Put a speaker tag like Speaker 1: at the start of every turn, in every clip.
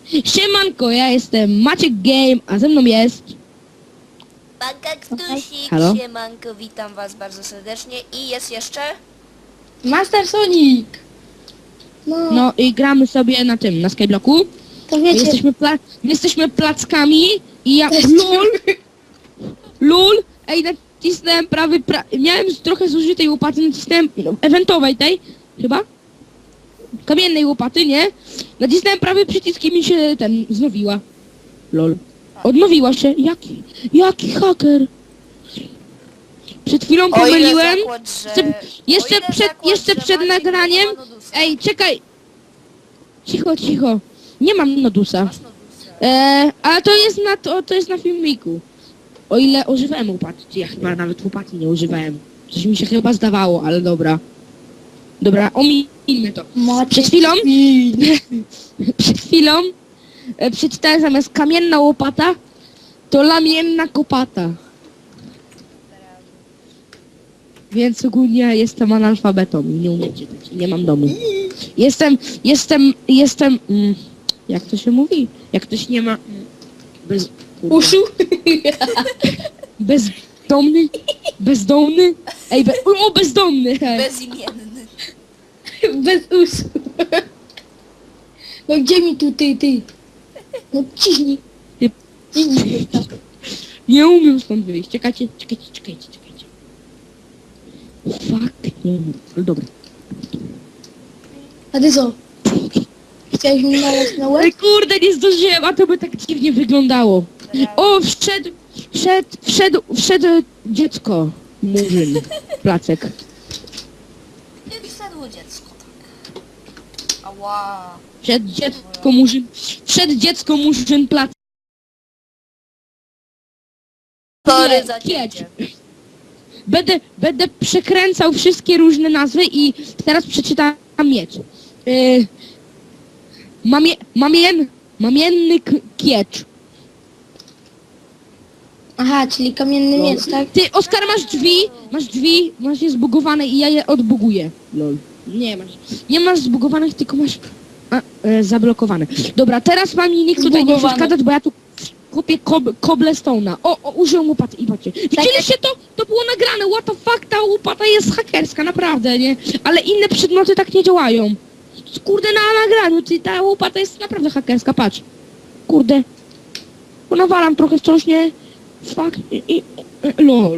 Speaker 1: Siemanko, ja jestem Maciek Game, a ze mną jest...
Speaker 2: Pan Kaktusik,
Speaker 1: Halo?
Speaker 2: siemanko, witam was bardzo serdecznie i jest jeszcze...
Speaker 3: Master Sonic! No,
Speaker 1: No i gramy sobie na tym, na Skyblocku.
Speaker 3: to
Speaker 1: My
Speaker 3: wiecie,
Speaker 1: jesteśmy plackami i ja... LUL! Ej, nacisnąłem miałem trochę zużytej łopaty, nacisnąłem eventowej tej, chyba? Kamiennej łopaty, nie? Nacisnąłem prawy przycisk i mi się znowiła. LOL. Odnowiła się. Jaki haker? Przed chwilą pomyliłem. Jeszcze przed nagraniem. Ej, czekaj. Cicho. Nie mam nodusa.
Speaker 2: Masz nodusa.
Speaker 1: Ale to jest na filmiku. O ile używałem łopaty. Ja chyba nawet łopaty nie używałem. Coś mi się chyba zdawało, ale dobra. Dobra, ominijmy to. Przed chwilą przeczytałem zamiast kamienna łopata, to lamienna kopata. Więc ogólnie jestem analfabetą i nie umiem czytać. Nie mam domu. Jestem... jak to się mówi? Jak ktoś nie ma...
Speaker 3: uszu.
Speaker 1: Bezdomny? Ej, bezdomny! Hej.
Speaker 2: Bezimienny.
Speaker 3: Bez uszu. No gdzie mi tu ty? No ciśnij.
Speaker 1: Ty-
Speaker 3: Ciśnij.
Speaker 1: Nie umiem stąd wyjść. Czekajcie. Fuck, nie umiem. Ale dobra.
Speaker 3: A ty co? Chciałeś mi nalać na łeb?
Speaker 1: Ej, kurde, nie zdążyłem, a to by tak dziwnie wyglądało. O, wszedł dziecko. Murzyn. Placek.
Speaker 2: Nie wsadło dziecko, tak. Ała.
Speaker 1: Wszedł dziecko murzyn placek.
Speaker 2: Sorry za
Speaker 1: Kiecz.
Speaker 2: ciebie.
Speaker 1: Będę przekręcał wszystkie różne nazwy i teraz przeczytam miecz. Mamienny kiecz.
Speaker 3: Aha, czyli kamienny miecz, tak?
Speaker 1: Ty, Oskar, masz drzwi, masz je zbugowane i ja je odbuguję. Lol. Nie masz zbugowanych, tylko masz zablokowane. Dobra, teraz mam mi nikt tutaj nie
Speaker 3: Zbugowane.
Speaker 1: przeszkadzać, bo ja tu kupię cobblestone'a. Użyłem łopaty i patrzcie. Widzieliście to? To było nagrane, what the fuck, ta łopata jest hakerska, naprawdę, nie? Ale inne przedmioty tak nie działają. Kurde, na nagraniu, ta łopata jest naprawdę hakerska, patrz. Kurde. Bo nawalam trochę wciąż, nie? Fuck lol.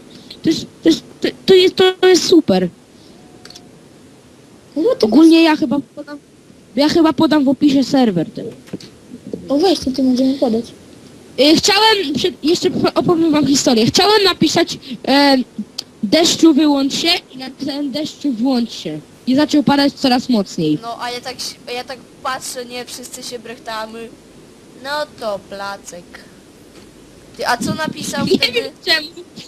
Speaker 1: To jest super.
Speaker 3: No to
Speaker 1: Ogólnie ja chyba podam w opisie serwer ten.
Speaker 3: O weź, to ty możemy podać.
Speaker 1: Jeszcze opowiem wam historię. Chciałem napisać deszczu wyłącz się i napisałem deszczu włącz się. I zaczął padać coraz mocniej.
Speaker 2: No, a ja tak patrzę, nie, wszyscy się brechtamy. No to placek. Ty, a co napisał
Speaker 1: Nie
Speaker 2: wtedy?
Speaker 1: wiem czemu.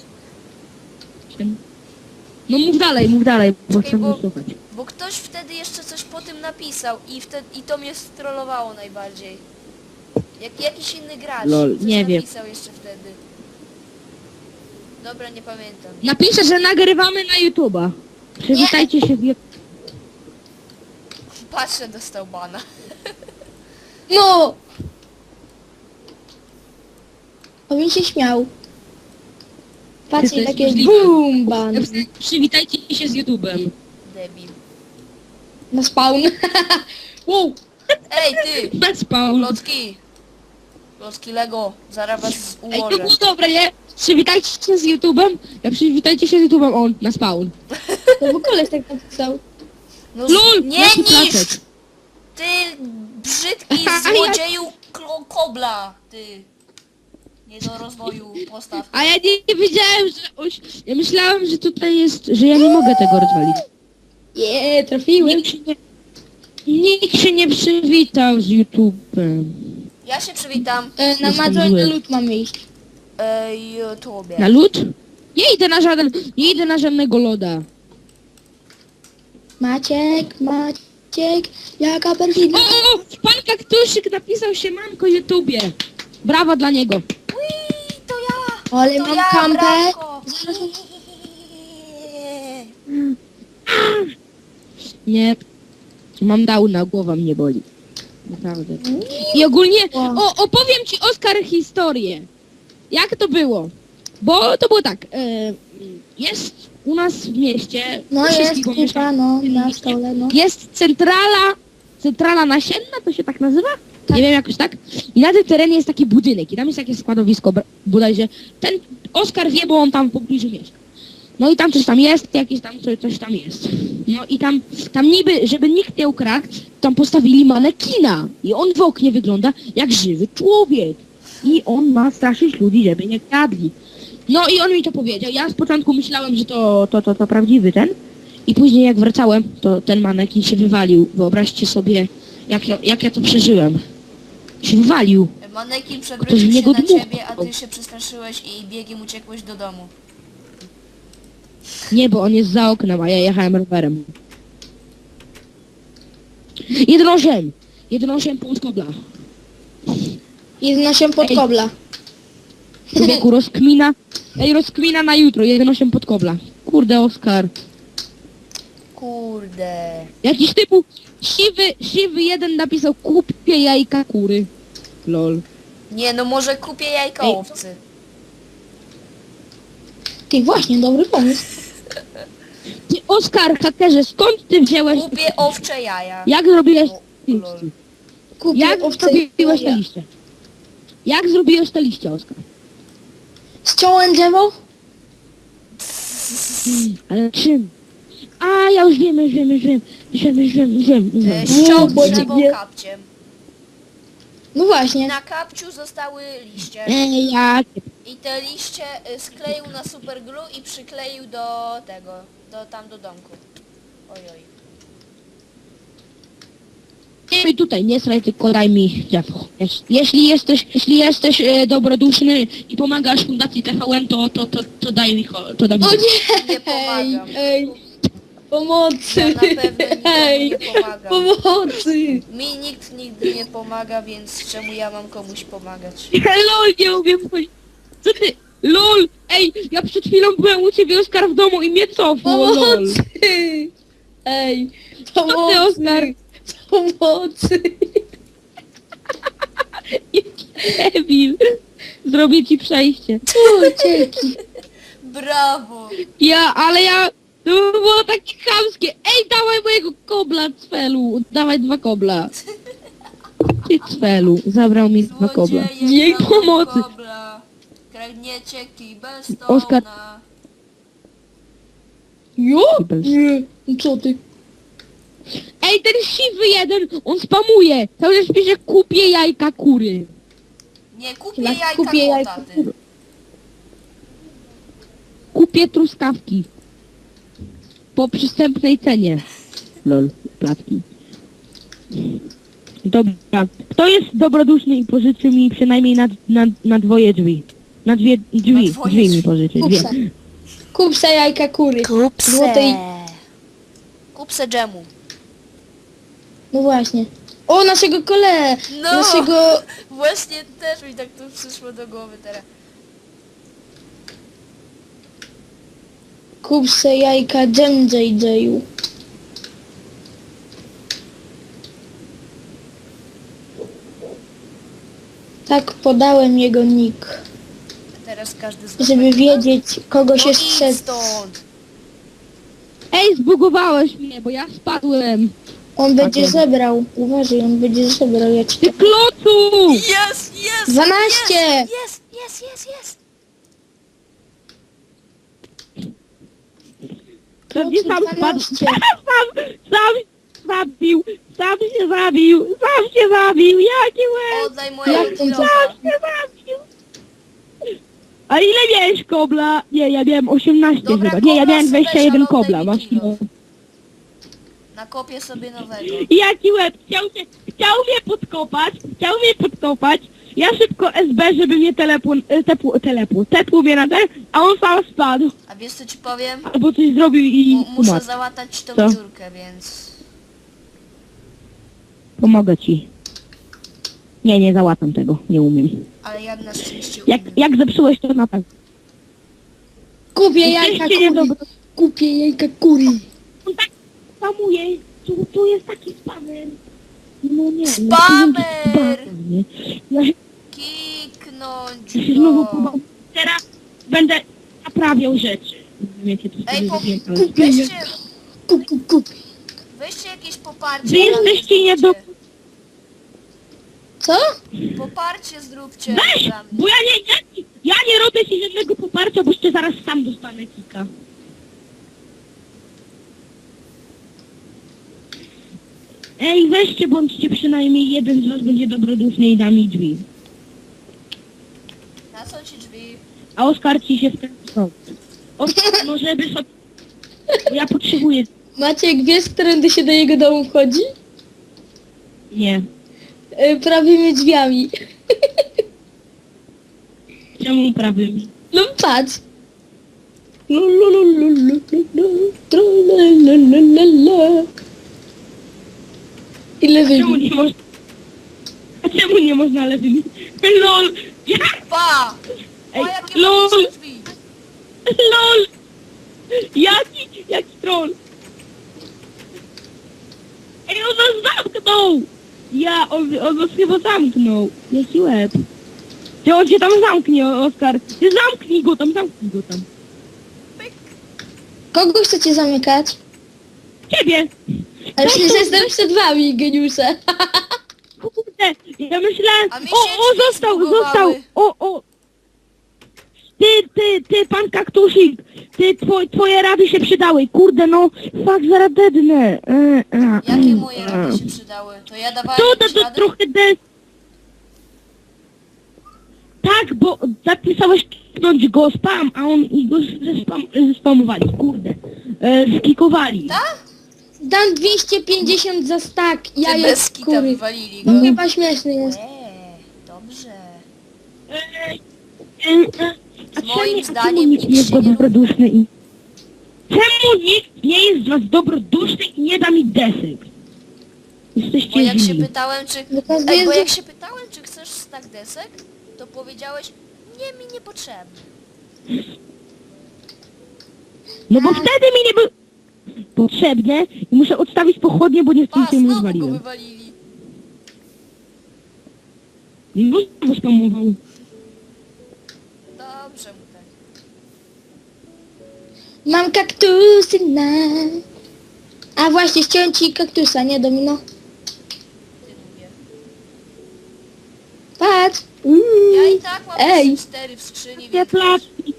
Speaker 1: No mów dalej, bo
Speaker 2: Czekaj,
Speaker 1: chcę
Speaker 2: bo-
Speaker 1: wysłuchać.
Speaker 2: Bo ktoś wtedy jeszcze coś po tym napisał i to mnie strollowało najbardziej. Jakiś inny gracz
Speaker 1: Lol,
Speaker 2: coś
Speaker 1: nie wiem.
Speaker 2: napisał jeszcze wtedy. Dobra, nie pamiętam.
Speaker 1: Napiszę, że nagrywamy na YouTube'a. Przywitajcie się w
Speaker 2: Patrzę, dostał bana.
Speaker 3: No! On się śmiał. Patrzcie,
Speaker 1: Ty, to
Speaker 3: takie
Speaker 1: jest możliwe.
Speaker 3: BOOM ban.
Speaker 1: Przywitajcie się z YouTube'em.
Speaker 2: Debil.
Speaker 3: Na spawn. Wow!
Speaker 2: Ej, ty!
Speaker 1: Na spawn.
Speaker 2: Klocki! Klocki Lego, zaraz was
Speaker 1: Ej, to
Speaker 2: ułożę.
Speaker 1: było dobre, nie? Przywitajcie się z YouTube'em. Przywitajcie się z YouTube'em, on na spawn.
Speaker 3: To bo koleś tak napisał.
Speaker 2: No,
Speaker 1: LOL!
Speaker 2: nie
Speaker 1: jaki
Speaker 2: niszcz!
Speaker 1: placek.
Speaker 2: Ty brzydki
Speaker 1: A ja-
Speaker 2: złodzieju kobla, ty! Nie do rozwoju postaw.
Speaker 1: A ja nie wiedziałem, że... Ja myślałem, że tutaj jest... Że ja nie mogę tego rozwalić.
Speaker 3: Trafiłem.
Speaker 1: Nikt się nie przywitał z YouTube'em.
Speaker 2: Ja się przywitam.
Speaker 3: Na
Speaker 1: Jestem
Speaker 3: Madonna
Speaker 1: zły.
Speaker 3: lód mamy iść.
Speaker 2: YouTubie.
Speaker 1: Na lód? Nie idę na żadnego loda.
Speaker 3: Maciek, jaka perfidna.
Speaker 1: O! Pan Kaktusik napisał się mamko YouTubie. Brawo dla niego.
Speaker 2: Ui, to ja!
Speaker 3: Ale
Speaker 2: To
Speaker 3: mam
Speaker 2: ja,
Speaker 3: kampę.
Speaker 2: brawko.
Speaker 3: Zaraz
Speaker 1: Nie. Mam downa, głowa mnie boli. Naprawdę. I ogólnie,
Speaker 3: Wow.
Speaker 1: opowiem ci, Oskar, historię. Jak to było? Bo to było tak, jest u nas w mieście,
Speaker 3: No
Speaker 1: u
Speaker 3: jest
Speaker 1: wszystkich, bo
Speaker 3: kupa,
Speaker 1: mieszkam
Speaker 3: no,
Speaker 1: w tym
Speaker 3: na
Speaker 1: mieście,
Speaker 3: stole, no.
Speaker 1: jest centrala nasienna, to się tak nazywa?
Speaker 3: Tak.
Speaker 1: Nie wiem, jakoś tak. I na tym terenie jest taki budynek i tam jest jakieś składowisko, bodajże. Ten Oskar wie, bo on tam w pobliżu mieszka. No i tam coś tam jest, jakieś tam coś tam jest. No i tam niby, żeby nikt nie ukradł, tam postawili manekina. I on w oknie wygląda jak żywy człowiek. I on ma straszyć ludzi, żeby nie kradli. No i on mi to powiedział. Ja z początku myślałem, że to prawdziwy ten. I później jak wracałem, to ten manekin się wywalił. Wyobraźcie sobie, jak ja to przeżyłem. Się wywalił.
Speaker 2: Manekin
Speaker 1: Ktoś
Speaker 2: przewrócił
Speaker 1: w
Speaker 2: się
Speaker 1: niego
Speaker 2: na
Speaker 1: dmuchał.
Speaker 2: ciebie, a ty się przestraszyłeś i biegiem uciekłeś do domu.
Speaker 1: Nie, bo on jest za oknem, a ja jechałem rowerem. 1,8 punkt kobla.
Speaker 3: 1,8 pod
Speaker 1: Ej.
Speaker 3: kobla.
Speaker 1: Człowieku, rozkmina. Ej, rozkmina na jutro, 1,8 pod kobla. Kurde, Oskar.
Speaker 2: Kurde.
Speaker 1: Jakiś typu siwy jeden napisał kupię jajka kury. Lol.
Speaker 2: Nie, no może kupię jajka
Speaker 1: Ej.
Speaker 2: owcy.
Speaker 3: Ty, właśnie, dobry pomysł.
Speaker 1: Ty, Oskar, hakerze, skąd ty wziąłeś...
Speaker 2: Kupię owcze jaja.
Speaker 1: Jak zrobiłeś
Speaker 2: O,
Speaker 1: te
Speaker 2: lol.
Speaker 1: liście?
Speaker 3: Kupię
Speaker 1: Jak
Speaker 3: owce
Speaker 1: zrobiłeś te
Speaker 3: jaja.
Speaker 1: liście? Jak zrobiłeś te liście, Oskar?
Speaker 3: Ściąłem drzewo?
Speaker 1: Ale czym? A, ja już wiem.
Speaker 2: Ściągnę
Speaker 3: bo
Speaker 2: drzewo
Speaker 3: nie-
Speaker 2: kapciem.
Speaker 3: No właśnie.
Speaker 2: Na kapciu zostały liście.
Speaker 1: Ej, jakie...
Speaker 2: I te liście skleił na superglue i przykleił do tego, do domku. Ojoj.
Speaker 1: Nie tutaj, nie sraj, tylko daj mi drzewo. Jeśli jesteś dobroduszny i pomagasz Fundacji TVN, to daj mi to daj mi.
Speaker 3: O nie!
Speaker 2: Nie pomagam.
Speaker 3: Ej, pomocy!
Speaker 2: Ja na pewno nikomu
Speaker 3: Ej,
Speaker 2: nie pomagam.
Speaker 3: pomocy!
Speaker 2: Mi nikt nigdy nie pomaga, więc czemu ja mam komuś pomagać?
Speaker 1: LOL, nie umiem chodzić. Co ty? LOL! Ej, ja przed chwilą byłem u ciebie, Oskar, w domu i mnie cofło, LOL.
Speaker 3: Pomocy! Ej,
Speaker 1: Co ty, Oskar?
Speaker 3: Pomocy!
Speaker 1: Debil. Zrobię ci przejście.
Speaker 3: Ucieki!
Speaker 2: Brawo!
Speaker 1: Ale to było takie chamskie. Ej, dawaj mojego kobla, Cfelu. Dawaj 2 kobla. Ty, Cfelu, zabrał mi 2 kobla.
Speaker 2: Złodzieje
Speaker 1: Jej
Speaker 2: kradną
Speaker 1: pomocy.
Speaker 2: kobla. Kradniecie kibel
Speaker 1: Oskar.
Speaker 2: stona.
Speaker 3: Jo?
Speaker 1: Kibel.
Speaker 3: Nie, no co ty?
Speaker 1: Ej, ten siwy jeden, on spamuje. Cały czas pisze, kupię jajka kury.
Speaker 2: Nie, kupię
Speaker 3: Ja
Speaker 2: jajka
Speaker 3: kupię
Speaker 2: kota,
Speaker 3: jajka
Speaker 2: ty.
Speaker 1: Kupię truskawki. Po przystępnej cenie. Lol, placki. Dobra. Kto jest dobroduszny i pożyczy mi przynajmniej na 2 drzwi? Na 2 drzwi.
Speaker 2: Na dwoje
Speaker 1: Drzwi mi
Speaker 2: drzwi.
Speaker 1: pożyczy.
Speaker 3: Kup
Speaker 1: 2.
Speaker 3: se. Kup se jajka kury. Złotej.
Speaker 2: Kup se dżemu.
Speaker 3: No właśnie. O, naszego kole!
Speaker 2: No.
Speaker 3: Naszego...
Speaker 2: Właśnie też mi tak to przyszło do głowy teraz.
Speaker 3: Kup se jajka Jam JJ-u. Tak podałem jego nick,
Speaker 2: Teraz każdy z was
Speaker 3: żeby
Speaker 2: będzie-
Speaker 3: wiedzieć, kogo
Speaker 2: No
Speaker 3: się
Speaker 2: idź
Speaker 3: strzec.
Speaker 2: stąd!
Speaker 1: Ej, zbugowałeś mnie, bo ja spadłem.
Speaker 3: On będzie
Speaker 1: Tak,
Speaker 3: zebrał. Uważaj, on będzie zebrał. Ja ci
Speaker 1: Ty klocu!
Speaker 2: Jest, jest!
Speaker 3: 12!
Speaker 2: Jest, jest, jest, jest!
Speaker 1: Pewnie sam spadł.
Speaker 3: 12.
Speaker 1: Sam się zabił. Jaki łeb!
Speaker 2: Oddaj
Speaker 3: Jak
Speaker 2: mojego
Speaker 3: to
Speaker 2: kilofa.
Speaker 1: się zabił. A ile miałeś kobla? Nie, ja miałem 18
Speaker 2: Dobra,
Speaker 1: chyba. Nie, ja
Speaker 2: kobla
Speaker 1: miałem
Speaker 2: sobie
Speaker 1: 21
Speaker 2: weź, ale
Speaker 1: kobla.
Speaker 2: oddaj mi
Speaker 1: Masz
Speaker 2: kilo.
Speaker 1: kilo.
Speaker 2: Nakopię sobie nowego.
Speaker 1: Jaki łeb! Chciał mnie podkopać. Ja szybko SB, żeby mnie tepł mnie na ten, a on sam spadł.
Speaker 2: A wiesz co ci powiem?
Speaker 1: Albo coś zrobił i
Speaker 2: Muszę
Speaker 1: umarł.
Speaker 2: załatać tą
Speaker 1: Co?
Speaker 2: dziurkę, więc...
Speaker 1: Pomogę ci. Nie załatam tego, nie umiem.
Speaker 2: Ale ja na szczęście
Speaker 1: Jak,
Speaker 2: umiem.
Speaker 1: jak zepsułeś to na pewno.
Speaker 3: Kupię jajka
Speaker 1: Jesteście
Speaker 3: kury.
Speaker 1: niedobry.
Speaker 3: Kupię jajka kury.
Speaker 1: On tak spamuje. Tu jest taki spamer. No nie,
Speaker 2: Spamer!
Speaker 1: no, ja się
Speaker 2: Kiknąć
Speaker 1: znowu
Speaker 2: go.
Speaker 1: próbował. Teraz będę naprawiał rzeczy. Nie wiem, jakie to
Speaker 2: Ej,
Speaker 1: sobie zrobiłem, ale...
Speaker 2: weźcie jakieś poparcie.
Speaker 1: Wy jesteście nie do...
Speaker 2: zróbcie.
Speaker 3: Co?
Speaker 2: Poparcie zróbcie
Speaker 1: Weź!
Speaker 2: dla mnie.
Speaker 1: Bo ja nie robię ci żadnego poparcia, bo jeszcze zaraz sam dostanę kika. Ej, weźcie, bądźcie przynajmniej jeden z was będzie dobroduszny i da mi drzwi.
Speaker 2: Na co ci drzwi?
Speaker 1: A Oskar ci się wkręcał. Oskar, no żeby sobie... Bo ja potrzebuję...
Speaker 3: Maciek, wiesz, którędy się do jego domu wchodzi?
Speaker 1: Nie.
Speaker 3: Prawymi drzwiami.
Speaker 1: Czemu prawym?
Speaker 3: No patrz. Lu, lu, lu, lu, lu, lu, lu, tru, la, la, la, la, la. I lewymi.
Speaker 1: Czemu nie można... A czemu nie można lewymi? LOL! Ja...
Speaker 2: Pa!
Speaker 1: Ej,
Speaker 2: Pa, jakie
Speaker 1: lol!
Speaker 2: magiczne drzwi.
Speaker 1: LOL! Jaki troll! Ej, on nas zamknął! On nas chyba zamknął. Jaki łeb. Ty on cię tam zamknie, Oskar. Ty zamknij go tam.
Speaker 3: Kogo chcecie zamykać?
Speaker 1: Ciebie!
Speaker 3: Ale przecież jestem przed wami, geniusze.
Speaker 1: Kurde, ja myślałem...
Speaker 2: A mi się
Speaker 1: O,
Speaker 2: drzwi
Speaker 1: został!
Speaker 2: zbugowały.
Speaker 1: O! Ty, pan kaktusik! Twoje rady się przydały. Kurde, no, fuck, zaraz dednę.
Speaker 2: Jakie moje rady się przydały? To ja dawałem jakieś
Speaker 1: To
Speaker 2: rady?
Speaker 1: trochę Tak, bo zapisałeś kliknąć go spam, a on i go zespamowali, kurde. Skikowali.
Speaker 2: Tak?
Speaker 3: Dam 250 za stack.
Speaker 2: Ty
Speaker 3: Ja
Speaker 2: bez
Speaker 3: jest
Speaker 2: kita
Speaker 3: kury.
Speaker 2: wywalili go.
Speaker 3: No chyba śmieszny jest.
Speaker 2: Dobrze.
Speaker 1: A
Speaker 2: Z moim
Speaker 1: czemu
Speaker 2: zdaniem
Speaker 1: nikt
Speaker 2: nikt
Speaker 1: nie jest
Speaker 2: się nie
Speaker 1: dobroduszny i... Czemu nikt nie jest z was dobroduszny i nie da mi desek? Jesteście
Speaker 2: Bo jak się
Speaker 1: źli.
Speaker 2: pytałem, czy...
Speaker 3: Bo każdy
Speaker 2: Ej, bo
Speaker 3: jest-
Speaker 2: jak się pytałem, czy chcesz stack desek, to powiedziałeś, nie, mi niepotrzebny.
Speaker 1: No bo wtedy mi nie było potrzebne i muszę odstawić pochodnie, bo nie
Speaker 2: Pa,
Speaker 1: chcę mi
Speaker 2: znowu go
Speaker 1: rozwaliłem.
Speaker 2: wywalili.
Speaker 1: I go znowu spamował.
Speaker 2: Dobrze mu tak.
Speaker 3: Mam kaktusy na... A właśnie, ściąłem ci kaktusa, nie domino?
Speaker 2: Ty lubię.
Speaker 3: Patrz.
Speaker 2: Ja i tak mam
Speaker 3: Ej.
Speaker 2: 4 w skrzyni,
Speaker 1: Te
Speaker 2: więc...
Speaker 1: placki.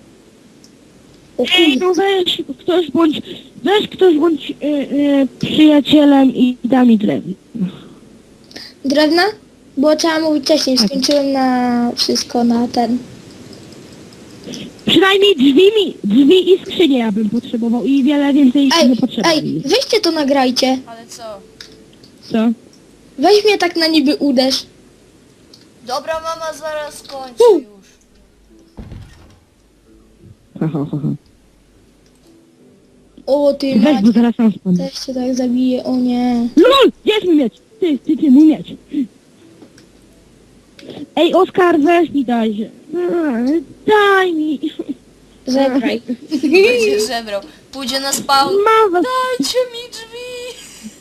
Speaker 1: Ej, no weź ktoś bądź przyjacielem i da mi drewno.
Speaker 3: Drewna? Bo trzeba mówić wcześniej, skończyłem na wszystko, na ten.
Speaker 1: Przynajmniej drzwi i skrzynie ja bym potrzebował i wiele więcej nie
Speaker 3: Ej,
Speaker 1: potrzebuje.
Speaker 3: weźcie to nagrajcie.
Speaker 2: Ale co?
Speaker 1: Co?
Speaker 3: Weź mnie tak na niby uderz.
Speaker 2: Dobra, mama zaraz kończy już.
Speaker 1: Ha, ha, ha, ha.
Speaker 3: O ty
Speaker 1: Weź,
Speaker 3: mać,
Speaker 1: bo zaraz sam spadnę.
Speaker 3: też cię tak zabije, o nie.
Speaker 1: LOL! Jest mój miecz! Ty, mój miecz! Ej, Oskar, weź mi daj. Daj mi.
Speaker 3: Zebraj.
Speaker 2: Będzie żebrał. Pójdzie na spawn.
Speaker 1: Mama.
Speaker 2: Dajcie mi drzwi!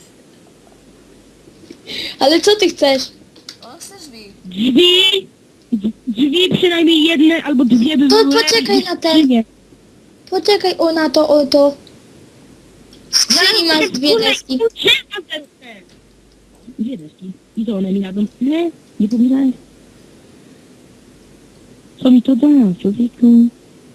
Speaker 3: Ale co ty chcesz?
Speaker 2: On chce drzwi.
Speaker 1: Drzwi przynajmniej jedne albo dwie by
Speaker 3: To
Speaker 1: były.
Speaker 3: poczekaj na ten.
Speaker 1: skrzynie.
Speaker 3: Poczekaj, o na to, o to. W skrzyni masz dwie deski.
Speaker 1: Dwie deski. I to one mi jadą. Nie powiedziałeś? Co mi to da, człowieku?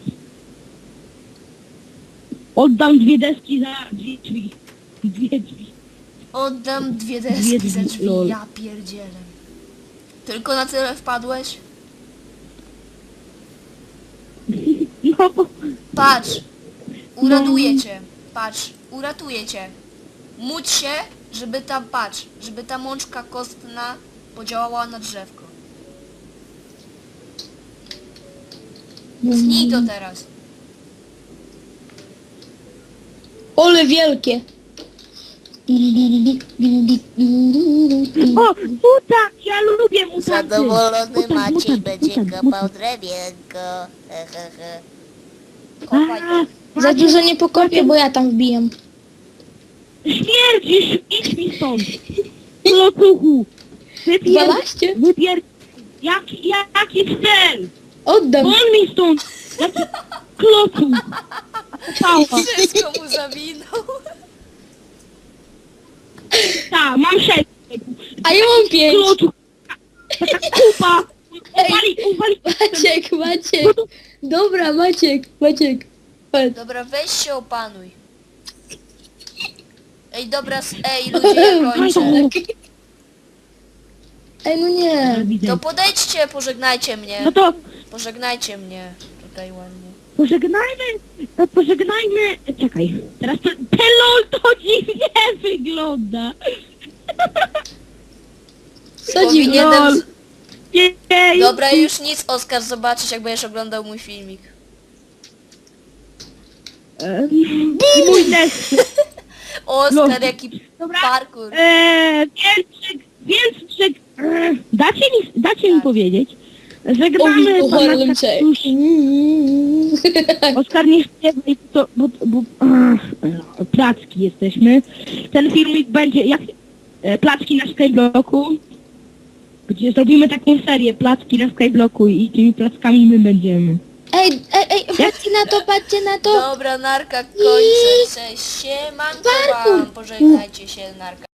Speaker 1: Oddam dwie deski za dwie drzwi. Dwie drzwi.
Speaker 2: Oddam dwie deski
Speaker 1: Dwie
Speaker 2: za
Speaker 1: drzwi,
Speaker 2: drzwi.
Speaker 1: lol.
Speaker 2: Ja pierdzielę. Tylko na tyle wpadłeś?
Speaker 1: No,
Speaker 2: Patrz! Uratuję cię. Patrz, uratuję cię. Módl się, żeby ta, patrz, żeby ta mączka kostna podziałała na drzewko. Tnij to teraz.
Speaker 3: Ole wielkie.
Speaker 1: o, mutant! Ja lubię mutanty!
Speaker 2: Zadowolony
Speaker 1: Mutant,
Speaker 2: Maciej
Speaker 1: mutant,
Speaker 2: będzie
Speaker 1: mutant,
Speaker 2: kopał
Speaker 1: mutant.
Speaker 2: drewienko. He, he, he. Kopaj
Speaker 1: A,
Speaker 2: to.
Speaker 3: Za dużo nie pokopię, bo ja tam wbijam.
Speaker 1: Śmierdzisz! Idź mi stąd! Klocuchu! Wypier...
Speaker 3: 12?
Speaker 1: Wypier... Jaki cel?
Speaker 3: Oddam.
Speaker 1: Won mi stąd! Jaki klocuch! Pała.
Speaker 2: Wszystko mu zawinął.
Speaker 1: Tak, mam 6.
Speaker 3: A ja mam 5.
Speaker 1: Klocuch! Taka kupa! Uwali!
Speaker 3: Maciek. Dobra, Maciek. Chodź.
Speaker 2: Dobra, weź się opanuj. Ej, dobra, ej, ludzie, ja kończę.
Speaker 3: Ej, no nie.
Speaker 2: To podejdźcie, pożegnajcie mnie.
Speaker 1: No to
Speaker 2: Pożegnajcie mnie tutaj ładnie.
Speaker 1: pożegnajmy... Czekaj, teraz to... Ten LOL to dziwnie wygląda!
Speaker 3: Co dziwnie.
Speaker 2: Powinienem...
Speaker 1: LOL. Jej.
Speaker 2: Dobra, już nic, Oskar, zobaczysz, jak będziesz oglądał mój filmik.
Speaker 1: I mój test.
Speaker 2: Oskar,
Speaker 1: No.
Speaker 2: jaki
Speaker 1: Dobra.
Speaker 2: parkour.
Speaker 1: Więc dacie mi powiedzieć.
Speaker 3: O,
Speaker 1: Żegnamy pana
Speaker 3: Harlem Shake.
Speaker 1: Kaktusia. Oskar, nie śpiewaj, bo placki jesteśmy. Ten filmik będzie jak placki na Skyblocku, gdzie zrobimy taką serię placki na Skyblocku i tymi plackami my będziemy.
Speaker 3: Ej, patrzcie na to.
Speaker 2: Dobra, narka, kończę. Cześć, siemanko wam. Pożegnajcie się, narka.